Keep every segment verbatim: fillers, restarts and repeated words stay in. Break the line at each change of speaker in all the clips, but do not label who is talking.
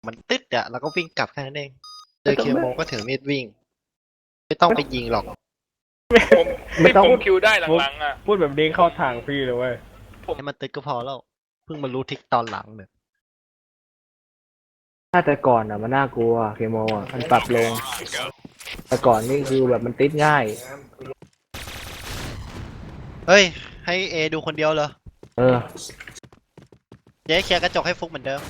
มันตึ๊ดอะแล้วก็วิ่งกลับแค่นั้นเองเจอเคโมก็ถือมีดวิ่ง ไม่ต้องไปยิงหรอก
ผมไม่ต้องผมคิวได้หลังๆอ่ะ
พูดแบบนี้เข้าทางพี่เลยเว้ย
ให้มันตึ๊ดก็พอแล้ว เพิ่งมารู้ทริกตอนหลังเนี่ย
ถ้าแต่ก่อนอ่ะมันน่ากลัวเคโมอ่ะมันปรับลง แต่ก่อนนี่คือแบบมันติดง่าย
เฮ้ย ให้เอดูคนเดียวเหรอ
เออ
เจ๊เคลียร์กระจกให้ฟุกเหมือนเดิม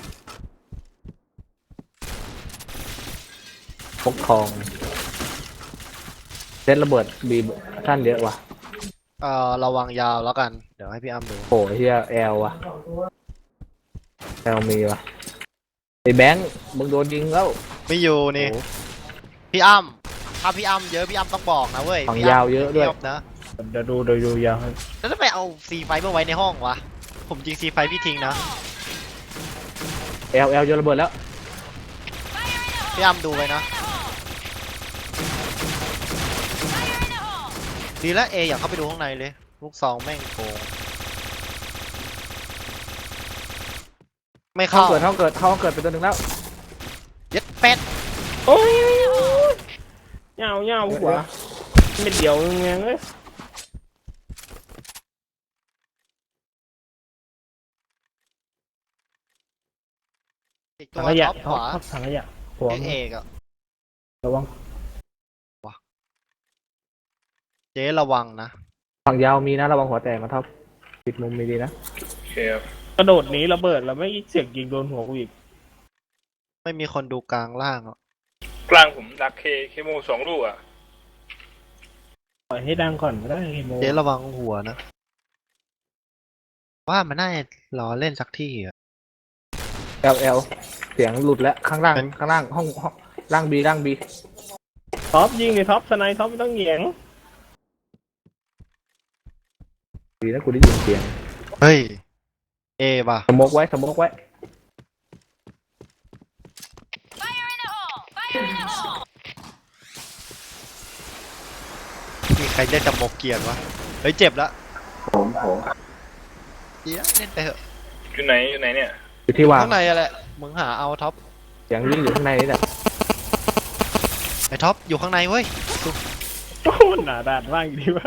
พกทองเซตระเบิดบีบท่านเยอะว่ะ
เอ่อระวังยาวแล้วกัน เดี๋ยวให้พี่อ้ำดู
โหเฮียแอลว่ะแอลมีว่ะไอ้แบงค์มึงโดนยิงแล้ว
ไม่อยู่นี่
โอ้
พี่อ้ำถ้าพี่อ้ำเยอะพี่อ้ำต้องบอกนะเว้ย
ฝั่ง
พี่ำ
ยาวเยอะด้วย
ไม่นะ
เดี๋ยวดูเดี๋ยวดูยาวให้
แล้วทำไมเอาซีไฟมาไว้ในห้องวะ ผมยิงซีไฟพี่ทิ้งนะ
แอลแอลโยนระเบิดแล้ว
พี่อ้ำดูไว้นะ ดีแล้วเออยากเข้าไปดูข้างในเลย ลูกซองแม่งโกง ไม่
ห้อง
เข้า
เกิดห้องเกิดห้องเกิดเป็นตัวหนึ่งแล้ว
เย็ดเป็ด
โอ้ยยาวยาวหัวไม่เดียวยังไงเอ้ย
อีกตั
ถั
ว
งขยะ
ท็อปขวา
ท็อปถังขยะหัว
เอกอะ
ระวัง
เจ๊ระวังนะ
ฝั่งยาวมีนะระวังหัวแตกนะท็อปปิดมุมมีดีนะ
โอเคครับ
กระโดดหนีระเบิดแล้วไม่เสียงยิงโดนหัวกูอีก
ไม่มีคนดูกลางล่างหรอก
กลางผมดักเคเคโมสองลูกอ่ะ
ปล่อยให้ดังก่อนก็ได้ไอ้โม
เจ๊ระวังหัวนะ ว่ามันน่าจะรอเล่นสักที่อะ
แอลแอลเสียงหลุดแล้วข้างล่าง
เป็น
ข้างล่างห้องห้องล่างบีล่างบี
ท็อปยิงเลยท็อปสไนท็อปไม่ต้องเหยียง
ดีนะกูได้ยินเสียง
เฮ้ย เอว่ะ
สมกไว้สมกไว้
มีใครเล่นจับโมกเกียร์วะ เฮ้ยเจ็บละ
ผมผม
เดี๋ยวเล่นไปเถอะ
อยู่ไหนอยู่ไหนเนี่ย
อยู่ที่วาง
ข้างในอะแหละ มึงหาเอาท็อป
เสียงวิ่งอยู่ข้างในนี่แหละ
ไอ้ท็อปอยู่ข้างในเว้ย
โอ้หนาด่านมากดีวะ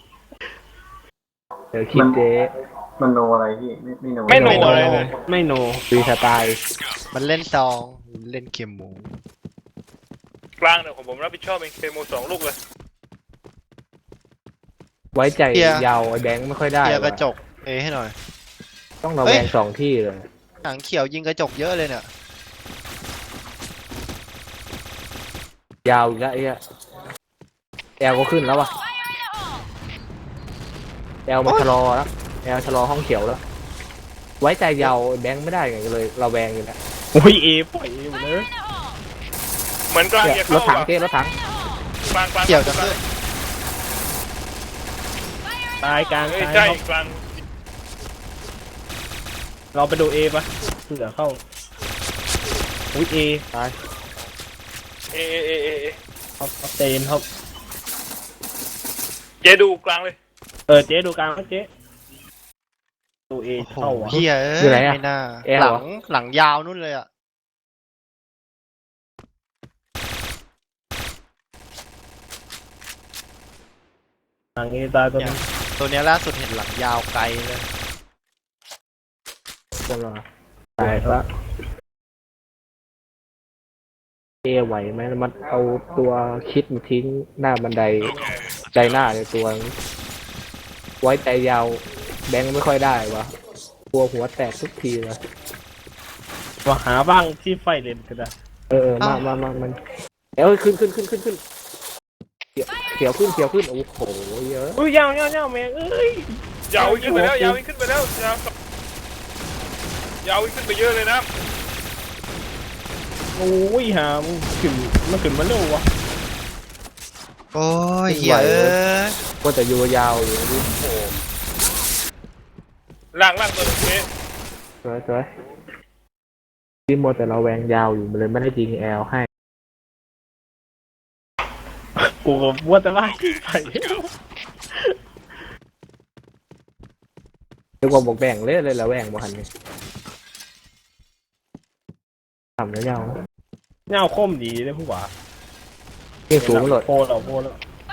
เดี๋ยวคิดเจ๊
มันโนอะไรพี่ไม่ไม่โน
ไม่โนอะไรเลย
ไม่โน
ฟรีสไตล์
มันเล่นซองเล่นเข็มหมู
กลางเนี่ยของผมรับผิดชอบเป็นเคโมสองลูกเลย
ไว้ใจ
เคลียร์
ยาวไอ้แบงค์ไม่ค่อยได้
เคลียร์กระจ
ว่ะ
กเอให้หน่อย
ต้องระ
เฮ้
แวย งสองที่เลย
หนังเขียวยิงกระจกเยอะเลยเนี่ย
ยาวอีกแล้วไอ้เหี้ยแอลก็ขึ้นแล้วว่ะแอลมาชะลอแล้วแอลชะลอห้องเขียวแล้ว ไว้ใจยาวแบงค์ไม่ได้ไงก็เลยระแวงอยู่แล้ว
โอ้ยเอปล่อยเอหมดเลย
เหมือนกลาง
เนี่ย
จะ
ร
เข้า
ถถัง
อ่ะ
เจ๊รถถัง
กลางกลาง
เกี่ยวจะขึ้น
ตายกลาง
เฮ้ย
ตาย
ใช่
ท็อป
กลาง
เราไปดูเอปะเผื่อเข้าอุ้ยเอ
ตาย
เอเอเอเอเอ
ท็อปท็อปเตนท็อป
เจดูกลางเลย
เออเจ๊ดูกลางนะเจ๊ดูเอ
โอ้โห
เข้าวะ
เฮียเอ้
อยู่ไหน
ย
อะ
ไม่น่า
แอล
ห
เหร
ลั
อ
งหลังยาวนู่นเลยอะ
หลังเอตายตัวนึง
ตัวเนี้ยล่าสุดเห็นหลังยาวไกลเลย
กำลังตายแล้วเอไหวไหมมันเอาตัวคิดมาทิ้งหน้าบันไดใจหน้าในตัวนี้ไว้ใจยาวแบงค์ไม่ค่อยได้วะกลัวหัวแตกทุกทีเลย
ว่าหาบ้างที่ไฟเลนก็ได้
เออเออมามามามันเอ้ยขึ้นขึ้นขึ้นขึ้นขึ้นเขียวเขียวขึ้นเขียวขึ้นโอ้โหเยอะ
อุ้ยยาวยาวยาวแม่งเอ้ย
ยาวขึ้นไปแล้วยาวขึ้นไปแล้วยาวยาวขึ้นไปเยอะเลยนะ
โอ้ยหามงขึ้นมันขึ้นมาเร็ววะ
โอ้ยเฮียเอ้ย
ก็จะอยู่ยาวอยู่นี่
ล่างล่างตัวนึงเจ
สวยสวยที่โมวแต่เราแวงยาวอยู่มันเลยไม่ได้ยิงแอลให้
กูก็ว่าแต่ว่าที่ไฟ
เรียกว่าบอกแบ่งเลยเลยละแวงบ่หันนี่ทำแล้วยาว
เงาคมดีเลยผู้ว่า
เกี่ยงสูงมันหลด
โพเราโพแล้ว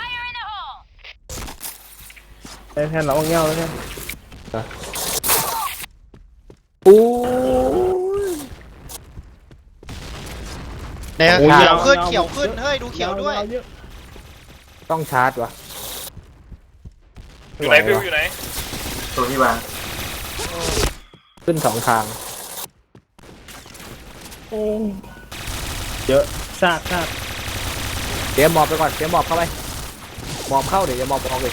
ไอ้แทนเราเงาแล้วแทน
อู้
เนี่ย
โอ้ย
เขียว
าว
ขึ้น
ยาว
เขียวขึ้นเฮ้ยดูเขียวด้วย
เอะ
ต้องชาร์จวะ
อยู่ไหนฟิวอยู่ไหน
ตัวที่วาง
ขึ้นสองทาง
โอ้เยอะซากซาก
เตรียมหมอบไปก่อนเตรียมหมอบเข้าไปหมอบเข้าเดี๋ยวจะหมอบออกเลย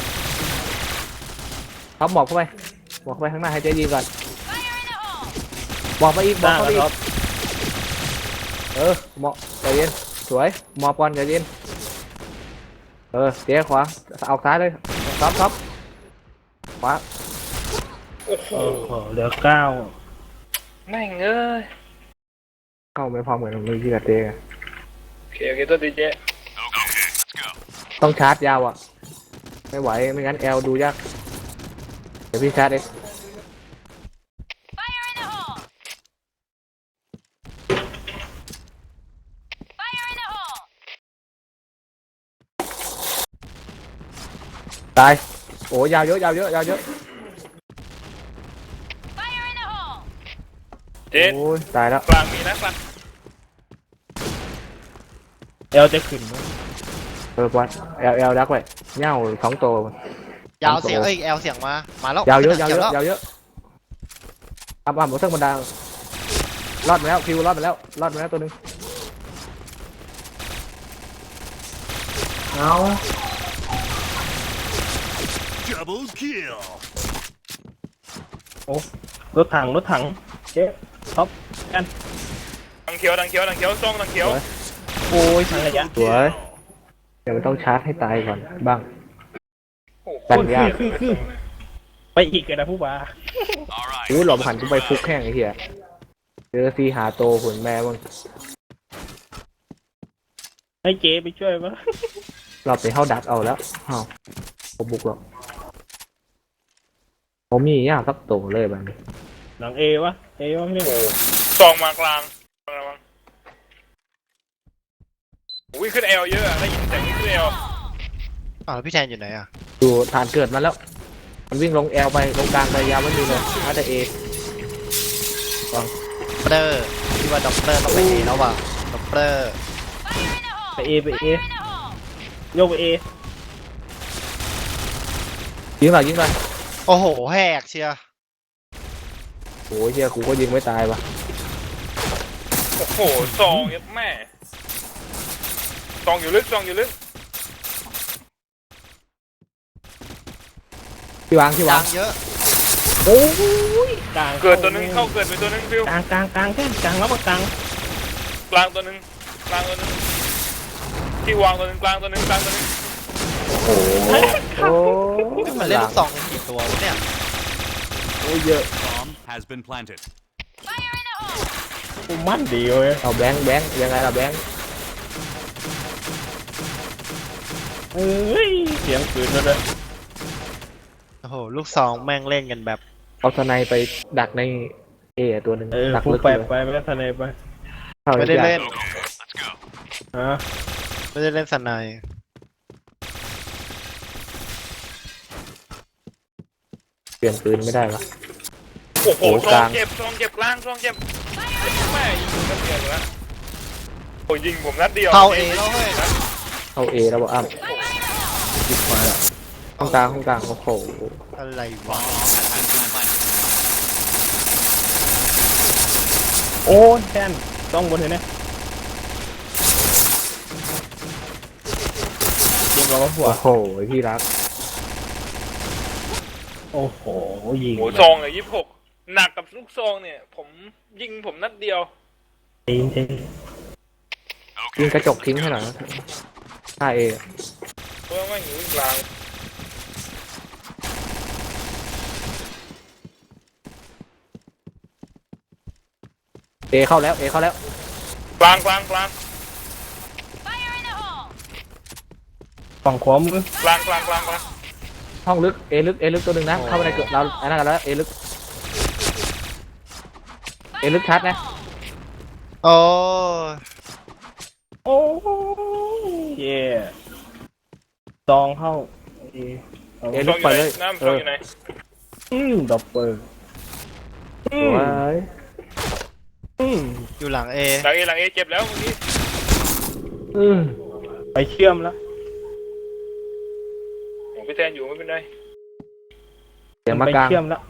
ครับหมอบเข้าไปหมอบเข้าไปข้างหน้าให้เจ๊ยิงก่อนหมอบไปอีกหมอบ
ซาก
เข้าไป
ค
อี
รั
ก
บ
เออหมอบใจเย็นสวยหมอบก่อนใจเย็นเออเจ๊ขวาเอาซ้ายเลยท็อปท็อปขวา
โอ้โห
โอ้โหเหลือเก้า
แม่งเอ้ย
เข้าไม่พร้อมเหมือนมือที่กับเจ๊
โอเคโอเคตัวดีเจ
ต้องชาร์จยาวอ่ะไม่ไหวไม่งั้นแอลดูยากเดี๋ยวพี่ชาร์จเองตายโอ้ยาวเยอะยาวเยอะยาวเยอะ
เจ
โอ้ยตายแล้ว
กลางมีนะกลาง
เอลจะขึ้นไหม
เออวัดแอลแอลดักไว้เง่าสองตัวย
าวเสียงเอ้ยแอลเสียงมามาแล้ว
ยาวเยอะยาว
ขี
เยอะ
แล้ว
ยาวเยอะอัพอัพหมดเส้นบนดาวรอดมาแล้วฟิวรอดมาแล้วรอดมาแล้วตัวหนึง
เอ้าร
ถถังรถถังเจ๊ท็อปกัน
ดังเขียวดังเขียวดังเขียวซองดังเขียว
โอ้ยทางระยะ
สวยเดี๋ยวมันต้องชาร์จให้ตายก่อนบ้าง
โอ้โห
กันยาก
คือคือไปอีกกันนะผู้ว่า
อู้หลบหันกูไปฟุกแห้งไอ้เหี้ยเจอซีหาโตหุ่นแม่มึง
ให้เจ๊ไปช่วยมั้ย
รอบไปเข้าดักเอาแล้วอ้าวผมบุกหรอกผมมียากสักโตเลยแบบนี้
หลังเอวะเอวะไม่ได้
โอ้โหซองมากลางระวังอุ้ยขึ้นเอลเยอะอะได้ยินเสียงขึ้นเอล
อ้าวแล้วพี่แทนอยู่ไหนอ่ะ
ดูฐานเกิดมาแล้ว มันวิ่งลงแอลไปลงกลางไปยาวไม่ดูเลยน่าจะเอ
ด็อกเตอร์พี่ว่าด็อกเตอร์ต้องไปเอแล้วว่ะด็อกเตอร์
ไปเอไปเอโยกไปเอ
ยิงหน่อยยิงหน่อย
โอ้โหแหกเชียร์
โอ้ยเฮียกูก็ยิงไม่ตายวะ
โอ้โหซองเยัดแม่ซองอยู่ลึกซองอยู่ลึก
ที่วางที่วาย
าง งเยอะ
โอ้ย
กลาง
เกิดตัวหนึงเข้าเกิดไปตัวหนึงฟิว
กลางกลางกลางแค่กลางแล้วก็กลาง
กลางตัวหนึงกลางตัวหนึงที่วางตัวหนึงกลางตัวหนึงกลางตัวหนึง
โอ้โอ้
มันเล่นลูกซองกันกี่ตัววะเนี่ย
โอ้ยเยอะ
Bomb has been planted.
กูมั่นดีเว้ย
เอาแบงค์แบงค์ยังไงล่ะแบงค์
เอ้ยเสียงปืนมาเลย
โอ้โหลูกซองแม่งเล่นกันแบบ
เอาสไนไปดักในเอตัวหนึ่ง
เออ
ดัก
พูด
ลึก
ไป
เลย
ไปไม่ได้ทนายไป
เข้า
ไม่ได้เล่น
ฮะ
ไม่ได้เล่นสไนด์
เปลี่ยนปืนไม่ได้วะ
โอ้โห
โอ้
ซ
ก
อ
ลาง ง
เจ็บซองเจ็บกลางซองเจ็บแม่ยิงกันเดียวเลยนะโอ้ยยิงผมนัดเดียว
เข้าเอแล้วเฮ้ย
เข้าเอแล้วบอกอ้ำยิบมาแล้วห้องกลางห้องกลางโอ้โห
อะไรวะ
โอ้ยแทนต้องบนเห็นไหมเยี่ยมเราก็หัว
โอ้โหพี่รัก
โอ้โหยิง
โอ้ซองเลยยี่สิบหกหนักกับลูกซองเนี่ย ผมยิงผมนัดเดียว
จริงจริง
ยิงกระจกทิ้งให้หน่อยนะถ้าเอ
เพราะว่าไม่อยู่กลาง
เอเข้าแล้วเอเข้าแล้ว
กลางกลางกลาง
ฝั่งขวามือก
ลางกลางกลางกลาง
ห้องลึกเอลึกเอลึกตัวหนึ่งนะเข้าไปในเกิดเราอันนั้นกันแล้วเอลึกเอลึกชัดนะ
โอ้
โอ้เย่ซองเข้าเอเอา
เอ็น
ช่
ลุ
อง
ก
อยู่
ไป
ไหน
เลย
น้ำ
เอ
ช่อง
อ
อยู่ไหน
อืมดับเบิลอื
ส
ม
วย
อืม
อยู่หลังเอ
หลังเอหลังเอเจ็บแล้วเมื่อกี้
อืม
ไปเชื่อมแล้ว
ผมพี่แทนอยู่ไม่เป็นไร
เสียง
ไป
มากลาง
เชื่อมแล้ว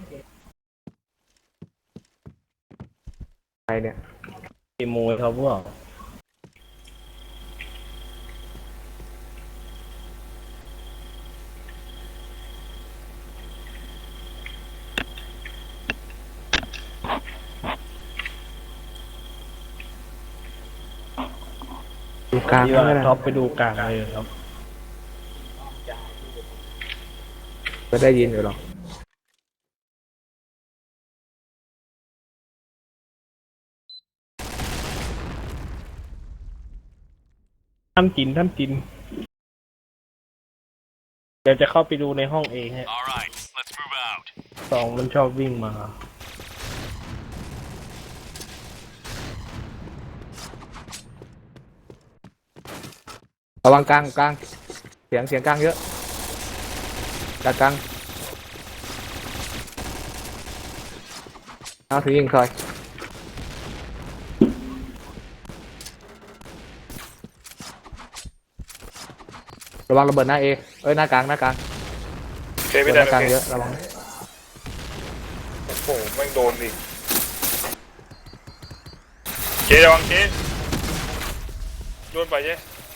ไปเนี่ย
ขโมยเขาพวก
ดูกลาง
ที่
ไม่
ว่า
ได้
ท็อปไปดูกลางเลยครับ
ก็ได้ยินอยู่หรอก
ท่านกินท่านกิน เดี๋ยวจะเข้าไปดูในห้องเองฮะสองมันชอบวิ่งมา
ระวังกลางกลางเสียงเสียงกลางเยอะกลางกลางเอาถือยิงคอยระวังระเบิดหน้าเอเอ้ยหน้ากลางหน้ากลาง
โอเค
ระเบิ
พี่
ด
แท
ห
น
น้ากลาง
โอเค
เยอะระวัง
โอ้โหแม่งโดนดิเจ๊ระวังเจ๊โดนไปเจ๊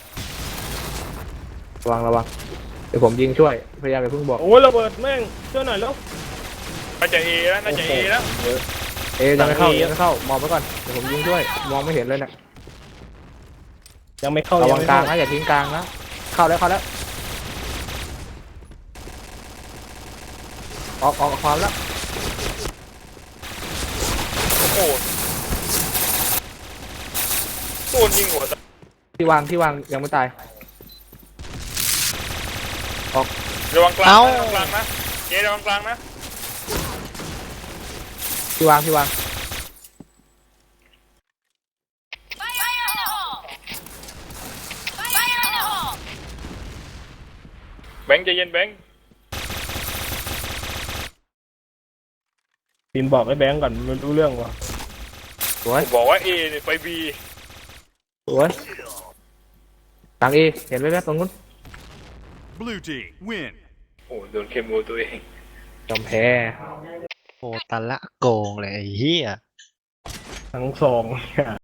ระวังระวังเดี๋ยวผมยิงช่วยพยายามอย่าเพิ่งบอก
โอ้ยระเบิดแม่งช่วยหน่อยแล้ว
น่าจะเอแล้วน่าจะเอแล้ว
เอยังไม่เข้า
หลัง A
ยังไม่เข้ามองไว้ก่อนเดี๋ยวผมยิงช่วยมองไม่เห็นเลยเนี่ย
ยังไม่เข้า
ระ
ยั
วัง
ไม่
กลาง
เข้า
นะอย่าทิ้งกลางนะเข้าแล้วเข้าแล้วออกออกความแล้ว
โอ้โหโดนยิงหัวตาย
ที่วางที่วางยังไม่ตาย
ระวังกลางนะระวังกลางนะเจ๊ระวังกลางนะ
ที่วางที่วาง
แบงค์ใจเย็นแบงค์
พิมพ์บอกไอ้แบงก์ก่อนมันรู้เรื่องวะ
สวย
ผมบอกว่าเอเนี่ยไปบี
สวยกลางเอเห็นไหมครับตรงนู้น
Blue team win.
โอ้โหโดนเคมโมตัวเอง
ยอมแพ้
โหตันละโกงเลยไอ้เหี้ย
ทั้งสองเนี่ย